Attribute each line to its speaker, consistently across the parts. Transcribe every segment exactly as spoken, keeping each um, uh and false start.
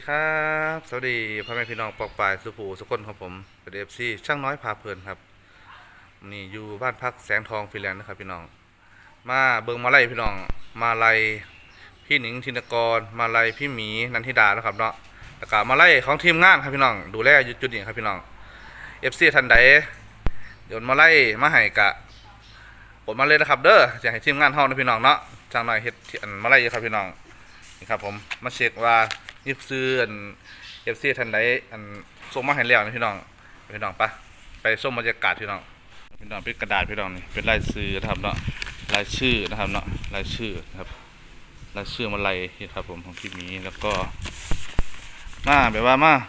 Speaker 1: ครับสวัสดีพ่อแม่พี่น้องปอกปลายสุภูสุคนของผมเป็นเอฟซีช่างน้อยพาเพลินครับนี่อยู่บ้านพักแสงทองฟิแลนด์นะครับพี่น้องมาเบิ่งมาไล่พี่น้องมาไล่พี่หนิงธินกรมาไล่พี่หมีนันทิดานะครับเนาะแล้วก็มาไล่ของทีมงานครับพี่น้องดูแลอยู่จุดนี้ครับพี่น้องเอฟซีทันใดเดี๋ยวมาไล่มาให้กะกดมาเลยนะครับเด้อจะให้ทีมงานเฮานะพี่น้องเนาะช่างน้อยเฮ็ดอันมาไล่ครับพี่น้องนี่ครับผมมาเช็คว่ายิบซื้ออันเอฟซีทันใดอันส่งมาให้แล้วนะพี่น้องพี่น้องปะไปส้มบรรยากาศพี่น้องพี่น้องเป็นกระดาษพี่น้องนี่เป็นลายซื้อนะครับเนาะลายชื่อนะครับเนาะลายชื่อนะครับลายชื่อมาลายครับผมของพี่หมีแล้วก็มาแบบว่ามา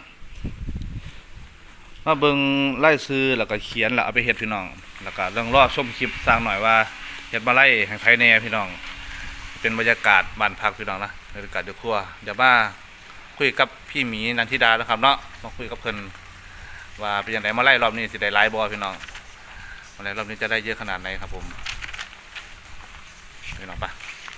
Speaker 1: มาเบิ่งไล่ซื้อแล้วก็เขียนแล้วเอาไปเฮ็ดพี่น้องแล้วก็เรื่องรอบชมคลิปสร้างหน่อยว่าเฮ็ดมาไล่แห่งไทยแน่พี่น้องเป็นบรรยากาศบ้านพักพี่น้องนะบรรยากาศเดือดครัวเดี๋ยวมาคุยกับพี่หมีนันทิดานะครับเนาะมาคุยกับเพิ่นว่าเป็นยังไงมาไล่รอบนี้สิได้หลายบ่พี่น้องมาไล่รอบนี้จะได้เยอะขนาดไหนครับผมพี่น้องปะ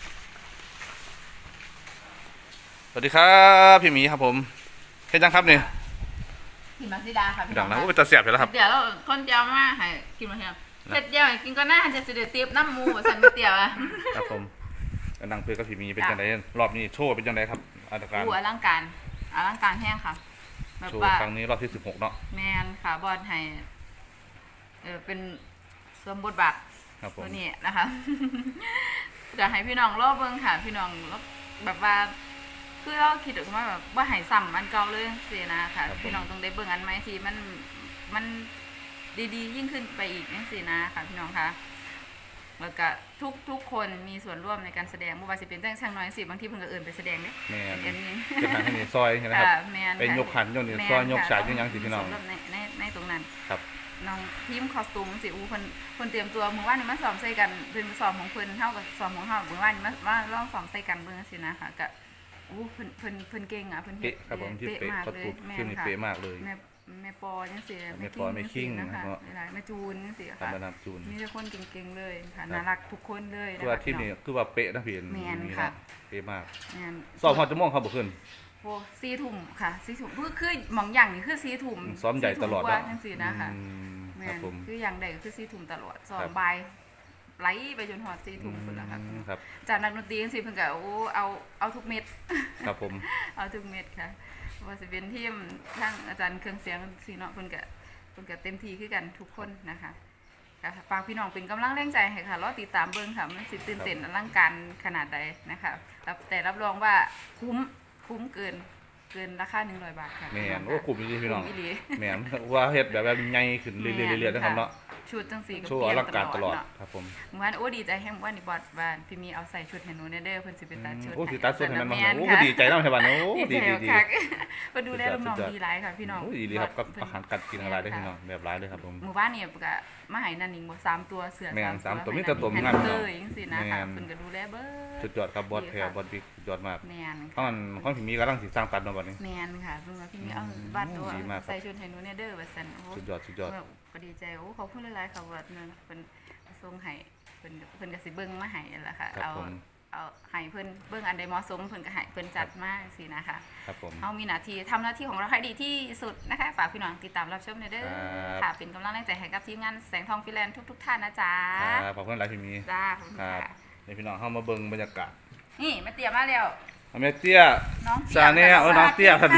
Speaker 1: สวัสดีครับพี่หมีครับผมเฮ็ดจังครับนี่
Speaker 2: กินมาซิดาค่ะ
Speaker 1: พี่น้องนะว่าจะเสียบอยู่แล้วครับ
Speaker 2: เดี๋ยวเราคนเดียวมาให้กินมาเทียมเผ็ดเดียวกินก็น่าจะเสด็จตีบน้ำมูสันไม่เตียวอ่ะ
Speaker 1: ครับผมกำลังคุยกับพี่หมีเป็นจังไดรอบนี้โชว์เป็นจังไดครับอาการ
Speaker 2: หัวร่างการร่างการแห้งค่ะ
Speaker 1: โชว์ครั้งนี้รอบที่สิบหกเนาะ
Speaker 2: แมนค่ะบอลให้เออเป็นสวมบทบาทตัวนี้นะคะจะให้พี่น้องรอบเบิ้งค่ะพี่น้องแบบว่าคือเราคิดออกมาแบบว่าหายซ้ำมันเก่าเลยเสียนะค่ะพี่น้องต้องได้เบิ่งอันไหมที่มันมันดีๆยิ่งขึ้นไปอีกนี่สินะค่ะพี่น้องคะแล้วก็ทุกทุกคนมีส่วนร่วมในการแสดงไม่ว่าจะเป็นจ้างช่างน้อยสิบางที่เพิ่งก็เอื่นไปแสดงเนี่ย
Speaker 1: แม่นเป็นทางที่ซอยนะครับเป็นยกขันยกนี่ซอยยกฉากยกยังสิพี่น้อง
Speaker 2: ในในในตรงนั้น
Speaker 1: ครับ
Speaker 2: น้องทีมคอสตูมสิอูคนคนเตรียมตัวมือว่านนี่มาซ้อมใส่กันเป็นซ้อมของเพิ่นเท่ากับซ้อมของเฮามือว่านนี่มามาลองซ้อมใส่กันเบิ่งสินะค่ะก็อู้เพิ่นเพิ่นเพิ่นเก่งอ่ะเพิ่น
Speaker 1: เป๊ะครับผมที่เป๊ะเขาตุดขึ้นนี่เป๊ะมากเลย
Speaker 2: แม่แม่ปอจังซี่
Speaker 1: แม่ปอแม่คิง
Speaker 2: นะคะหลายๆแม่จูนจังซี่ค่ะ
Speaker 1: แม่จูน
Speaker 2: มีแต่คนเก่งๆเลยค่ะน่ารักทุกคนเลย
Speaker 1: คือว่าที่นี่คือว่าเป๊ะนะพี่
Speaker 2: แม่นค่ะ
Speaker 1: เป๊ะมาก
Speaker 2: แม่น
Speaker 1: ซ้อมฮอดชั่วโมงครับบ่ขึ้น
Speaker 2: โอ้สี่ทุ่มค่ะสี่ทุ่มคือคือหม่องอย่างนี่คือสี่ทุ่ม
Speaker 1: ซ้อมใหญ่ตลอด
Speaker 2: ว่าจังซี่นะคะ
Speaker 1: แม่น
Speaker 2: คืออย่างใดก็คือสี่ทุ่มตลอดซ้อมบ่ายไล่ไปจนฮอดสี่ทุ่มพุ่นล่ะค่ะจากนักดนตรีจังซี่เพิ่นก็โอ้เอาเอาทุกเม็ด
Speaker 1: ครับผม
Speaker 2: เอาทุกเม็ดค่ะว่าสิเป็นทีมทั้งอาจารย์เครื่องเสียงสิเนาะเพิ่นก็เพิ่นก็เต็มที่คือกันทุกคนนะคะค่ะฝากพี่น้องเป็นกำลังแรงใจให้ค่ะรอติดตามเบิ่งค่ะมันสิตื่นเต้นอลังการขนาดใดนะคะแต่รับรองว่าคุ้มคุ้มเกินเกินราคาหนึ่งร้อยบาทค่ะ
Speaker 1: แม่นโอ้คุ้มจริงๆพี่น้องแม่นว่าเฮ็ดแบบแบบใหญ่ขึ้นเรื่อยๆๆนะครับเนาะ
Speaker 2: ชุดจังสี
Speaker 1: ก็เปลี่ยนตลอดครับผม
Speaker 2: เมื่อวานโอ้ดีใจแฮมว่านี่บอดบ้านพี่มีเอาใส่ชุดให้หนูเด้อเพิ่นสิไปตัดชุด
Speaker 1: โอ้สิตัดชุดให้มันมาโอ้ดีใจนำให้บ้านโอ้ดี
Speaker 2: ๆๆมาดูแลน้องๆดีหลายค่ะพี่น้อง
Speaker 1: โอ้ดีครับกับอาหารกัดกินอะไรได้พี่น้องแบบหลายเลยครับผม
Speaker 2: หมู่บ้านนี่ก็มาให้นั่นนี่บ่สามตัวเสือ
Speaker 1: สามตัวมีแต่ตัวงาม
Speaker 2: เด้อจังซี่นะคะเพิ่นก็ดูแลเบิด
Speaker 1: สุดยอดครับบอสแพรบอสบิ๊กสุดยอดมาก
Speaker 2: แม่น
Speaker 1: เพราะมันของพี่มีกำลังสิสร้างตัดมาบัดนี้
Speaker 2: แม่นค่ะเพิ่นว่าพี่มีเอาบัตรตัวใส่ชุดให้หนูเด้อว่าซั่นโอ้
Speaker 1: สุดยอดสุดยอด
Speaker 2: ก็ดีใจโอ้ขอบคุณหลายๆค่ะว่าเพิ่นส่งให้เพิ่นเพิ่นก็สิเบิ่งมาให้นั่นล่ะค่ะเอาเอาให้เพิ่นเบิ่งอันใดเหมาะสมเพิ่นก็ให้เพิ่นจัดมาจังซี่นะคะ
Speaker 1: ครับผม
Speaker 2: เฮามีหน้าที่ทำหน้าที่ของเราให้ดีที่สุดนะคะฝากพี่น้องติดตามรับชมเด้อค่ะเป็นกำลังแรงใจให้กับทีมงานแสงทองฟิแลนด์ทุกๆท่านนะจ๊ะ
Speaker 1: ครับขอบคุณหลายพี่มี
Speaker 2: จ้าขอบคุณค่ะ
Speaker 1: นี่พี่น้องเฮามาเบิ่งบรรยากาศ
Speaker 2: นี่แม่เตี้ยมาแล้ว
Speaker 1: แม่เตี้ย
Speaker 2: น้อง
Speaker 1: ซาเน่เออน้องเตี้ยครับ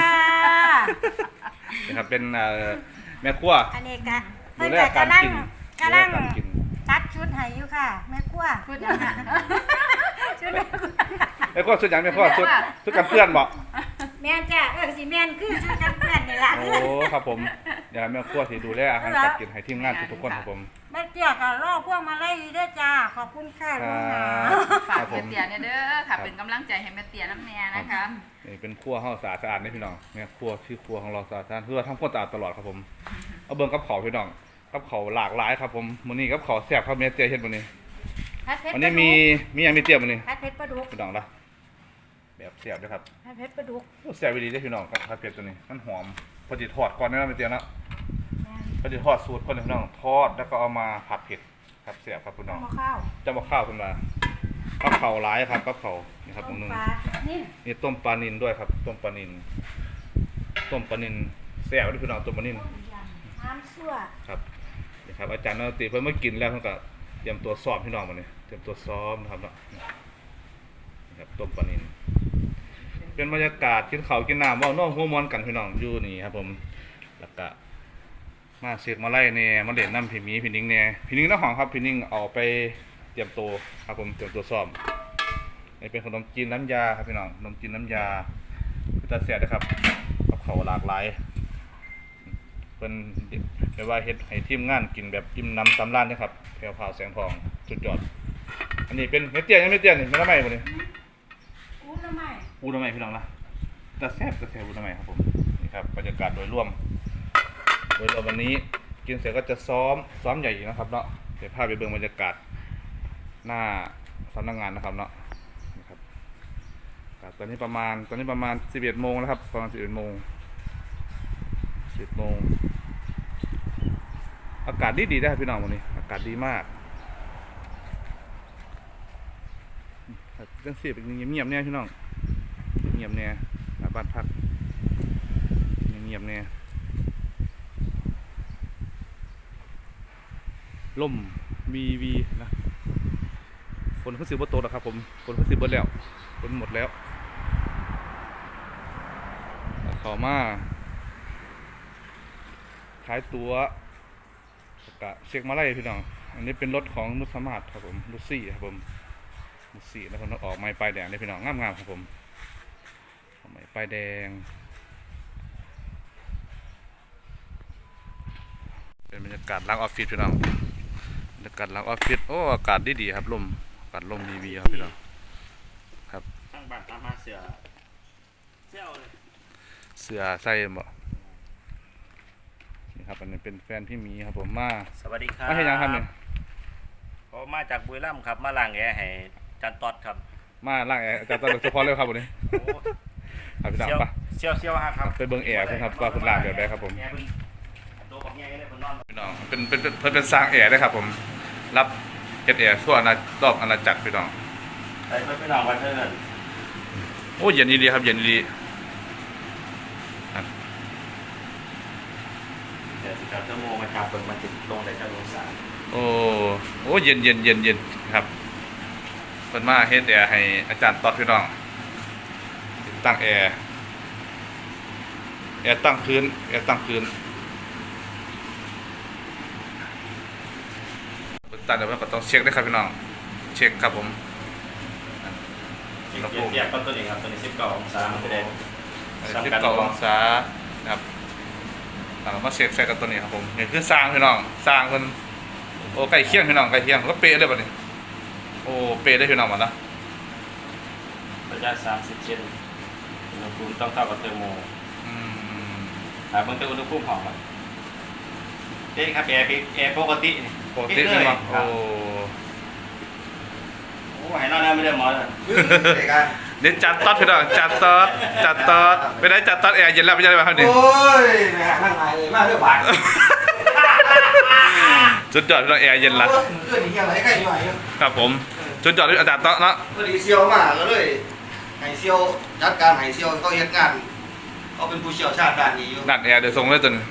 Speaker 1: นะครับเป็นเอ่อแม่ครัว
Speaker 3: อันนี้ก็เพิ่นก็กำลังกำลังตัดชุดให้อยู่ค่ะแม่ครัว
Speaker 2: ชุดหยังน่ะ
Speaker 3: ชุด
Speaker 1: แม่ครัวชุดหยังแม่ครัวชุดชุดกันเพื่อนบ่
Speaker 3: แม่นจ้ะเออสิแม่นคือชุดกันเพื่อนนี่ล่ะ
Speaker 1: โอ้ครับผมเดี๋ยวแม่ครัวสิดูแลอาหารการกินให้ทีมงานทุกๆคนครับผม
Speaker 3: แม่เตี้ยก็รอพวกมาไล่เด้อจ้าขอบคุณค่ะลุงหา
Speaker 2: ฝากแม่เตี้ยเนี่ยเด้อค่ะเป็นกำลังใจให้แม่เตี้ยน้ำแน่นะคะ
Speaker 1: นี่เป็นครัวเฮาสะอาดๆนี่พี่น้องแม่ครัวชื่อครัวของเราสะอาดๆเพื่อทำความสะอาดตลอดครับผมเอาเบิ่งกับข้าวพี่น้องกับเขาหลากหลายครับผมมื้อนี้กับเขาแซ่บครับแม่เตี้ยเฮ็ดมื้อนี้วันนี้มีมีหยังมีเตี้ยมื้อนี้
Speaker 3: ผัดเผ็ดปลาดุก
Speaker 1: พี่น้องล่ะแบบแซ่บด้วยครับ
Speaker 3: ผัดเผ็ดปลาดุก
Speaker 1: แซ่บดีเด้อพี่น้องกับผัดเผ็ดตัวนี้มันหอมพอดีทอดก่อนนะแม่เตี้ยเนาะพอดีทอดสูตรก่อนพี่น้องทอดแล้วก็เอามาผัดเผ็ดครับแซ่บครับพี่น้อง
Speaker 3: ข้าว
Speaker 1: จะมาข้าวเพิ่นว่ากับข้าวหลายครับกับข้าวนี่ครับตรงนึงนี่ต้มปลานิลด้วยครับต้มปลานิลต้มปลานิลแซ่บเด้อพี่น้องต้มปลานิล
Speaker 3: น้ำซั่ว
Speaker 1: ครับนี่ครับอาจารย์นติเพิ่นมากินแล้วเพิ่นก็เตรียมตัวซ้อมพี่น้องมาเนี่ยเตรียมตัวซ้อมนะครับเนาะนี่ครับต้มปลานิลเป็นบรรยากาศกินข้าวกินน้ำเว้าน้องหัวมอนกันพี่น้องอยู่นี่ครับผมแล้วก็มาเสกมาไล่เนี่ยมาเล่นน้ำพี่หมีพี่นิ้งเนี่ยพี่นิ้งน้าหองครับพี่นิ้งเอาไปเตรียมตัวครับผมเตรียมตัวซ้อมนี่เป็นขนมจีนน้ำยาครับพี่น้องขนมจีนน้ำยาพิตาเสียนะครับกับข้าวหลากหลายเป็นเรียกว่าเฮ็ดให้ทีมงานกินแบบอิ่มน้ำสำราญนะครับแพรวพราวแสงทองสุดยอดอันนี้เป็นเม็ดเตี้ยยังเม็ดเตี้ยนี่ไม่ทำไมบ่นี่
Speaker 3: อู้ทำไม
Speaker 1: อูทำไมพี่น้องนะตาแซ่บตาแซ่บอูทำไมครับผมนี่ครับบรรยากาศโดยรวมโดยรวมวันนี้กินเสร็จก็จะซ้อมซ้อมใหญ่อีกนะครับเนาะเดี๋ยวพาไปเบิ่งบรรยากาศหน้าสำนักงานนะครับเนาะนี่ครับครับตอนนี้ประมาณตอนนี้ประมาณสิบเอ็ดโมงแล้วครับประมาณสิบเอ็ดโมงสิบโมงอากาศดีดีได้พี่น้องวันนี้อากาศดีมากเรื่องเสียบเงียบๆเนี่ยพี่น้องเงียบเนี่ยบ้านพักเงียบเนี่ยล่มวีวีนะฝนขึ้นสิบโตแล้วครับผมฝนขึ้นสิบเบิดแล้วฝนหมดแล้วเขามาขายตัวกะเช็คมาไล่พี่น้องอันนี้เป็นรถของนุชสมาร์ทครับผมนุชซี่ครับผมนุชซี่แล้วผมออกไม้ป้ายแดงเลยพี่น้องงามๆครับผมออกไม้ป้ายแดงเป็นบรรยากาศหลังออฟฟิศพี่น้องบรรยากาศหลังออฟฟิศโอ้อากาศดีๆครับลมอากาศลมดีๆครับพี่น้องครับ
Speaker 4: ตั้งบ้านตามมาเสือเจ้าเลย
Speaker 1: เสื้อใส่บ่นี่ครับอันนี้เป็นแฟนพี่หมีครับผมมา
Speaker 4: สวัสดีครับ
Speaker 1: มาเฮ็ดหยังครับเนี่ย
Speaker 4: ผมมาจากบุรีรัมย์ครับมาล้างแอร์ให้จันตอดครับ
Speaker 1: มาล่างแอร์อาจารย์ตอนเฉพาะเลยครับวันนี้
Speaker 4: โอ้
Speaker 1: ครับพี่น้อง
Speaker 4: เซี่ยว
Speaker 1: ไป
Speaker 4: เซี่ยวเซี่ยวฮะครับ
Speaker 1: ไปเบิ่งแอร์เพิ่นครับว่าเพิ่นล้างแบบใดครับผม
Speaker 4: แอร์เพิ่นโตกับแง่เลยเพิ่นนอน
Speaker 1: พี่น้องเป็นเป็นเป็นเพิ่นเป็นสร้างแอร์ได้ครับผมรับเฮ็ดแอร์ทั่วอาณารอบอาณาจักรพี่น้อง
Speaker 4: ไปเพิ่นไปนอนวันเพิ่น
Speaker 1: โอ้เย็นดีครับเย็นดี
Speaker 4: เดี๋ยวสิครับชั่วโมงมาจับเบิ่งมันติดลงได้จักองศา
Speaker 1: โอ้โอ้เย็นเย็นเย็นเย็นครับเพิ่นมาเฮ็ดแอร์ให้อาจารย์ตอดพี่น้องติดตั้งแอร์แอร์ตั้งพื้นแอร์ตั้งพื้นตั้งเดี๋ยวมันก็ต้องเช็คด้วยครับพี่น้องเช็คครับผม
Speaker 4: เทียบเทียบกับตัวนี้ครับตัวนี้สิบเก้าองศามันจะได้
Speaker 1: สิบเก้าองศานะครับแล้วก็มาเช็คใส่กับตัวนี้ครับผมนี่คือสร้างพี่น้องสร้างเพิ่นโอ้ใกล้เคียงพี่น้องใกล้เคียงก็เป๊ะเลยบัดนี้โอ้เป๊ะได้พี่น้องหมดนะ
Speaker 4: ระยะสามสิบเซนอุณหภูมิต้องเท่ากับเทอร์โม
Speaker 1: อืม
Speaker 4: อ่าเบิ่งแต่อุณหภูมิห้องครับเด้ครับแอร์แอร์ปกตินี่
Speaker 1: ปกติพี่น้อง
Speaker 4: ครั
Speaker 1: โอ้
Speaker 4: บโอ้ให้นอนแล้วไม่ได้หมอเลย
Speaker 1: เดี๋ยวจัดต๊อดพี่น้องจัดต๊อดจัดต๊อดไปได้จัดต๊อดแอร์เย็นแล้วไม่ใช่ไหมครับนี่
Speaker 5: โอ้ยแม่ข้างในเลยมาเรื่องบาด
Speaker 1: จุดจอดพี่น้องแอร์เย็นละ
Speaker 5: เพื่อนนี่ยังไรใกล้หน่อยอยู่
Speaker 1: ครับผมจุดจอดที่อาจารย์ต๊อดเนาะ
Speaker 5: พอดีเซียวมาก็เลยให้เซียวจัดการให้เซียวเขาเฮ็ดงานเขาเป็นผู้เชี่ยวชาญด้านนี้อยู่
Speaker 1: ดัดแอร์เดี๋ยวส่งเลยจน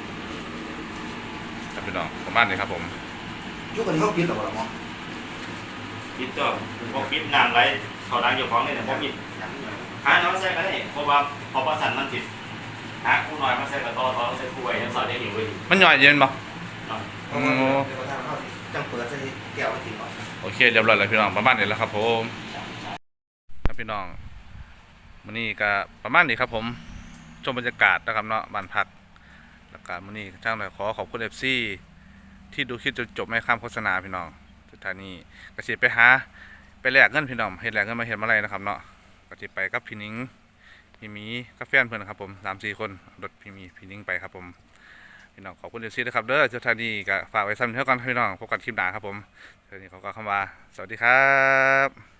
Speaker 1: ครับพี่น้องประมาณนี้ครับผม
Speaker 5: ยุคนี้เขาปิดหรอหมอ
Speaker 4: ปิดตัวพวกปิดน้ำไรเขาดังอยู่ของนี่เนี่ยพวกปิดหาน้องใส่ก็ได้เพราะว่าพอประสันมันติดหาคู่น้อยมาใส่กระต่อทอใส่คู่ไว้ยังสอดยังอยู่ไว้อยู่
Speaker 1: มันย่อยเย็นปะ
Speaker 4: เนาะ
Speaker 5: โอ้เดี๋ยวทางเขาจังเปิดใส่แก้วไว้กินก่อน
Speaker 1: โอเคเรียบร้อยแล้วพี่น้องประมาณนี้แล้วครับผมครับพี่น้องมื้อนี้ก็ประมาณนี้ครับผมชมบรรยากาศนะครับเนาะบ้านพักแล้วก็มื้อนี้ช่างหน่อยขอขอบคุณ เอฟ ซี ที่ดูคลิปจนจบไม่ข้ามโฆษณาพี่น้องสุดท้ายนี้ก็สิไปหาไปแลกเงินพี่น้องเฮ็ดแลกเงินมาเฮ็ดมาอะไรนะครับเนาะก็สิไปกับพี่นิ้งพี่หมีกับแฟนเพิ่นครับผม สามสี่ คนรถพี่หมีพี่นิ้งไปครับผมพี่น้องขอบคุณ เอฟ ซี ด้วยครับเด้อสุดท้ายนี้ก็ฝากไว้ซ้ำเท่ากันพี่น้องพบกันคลิปหน้าครับผมสุดท้ายนี้ขอกล่าวคำว่าสวัสดีครับ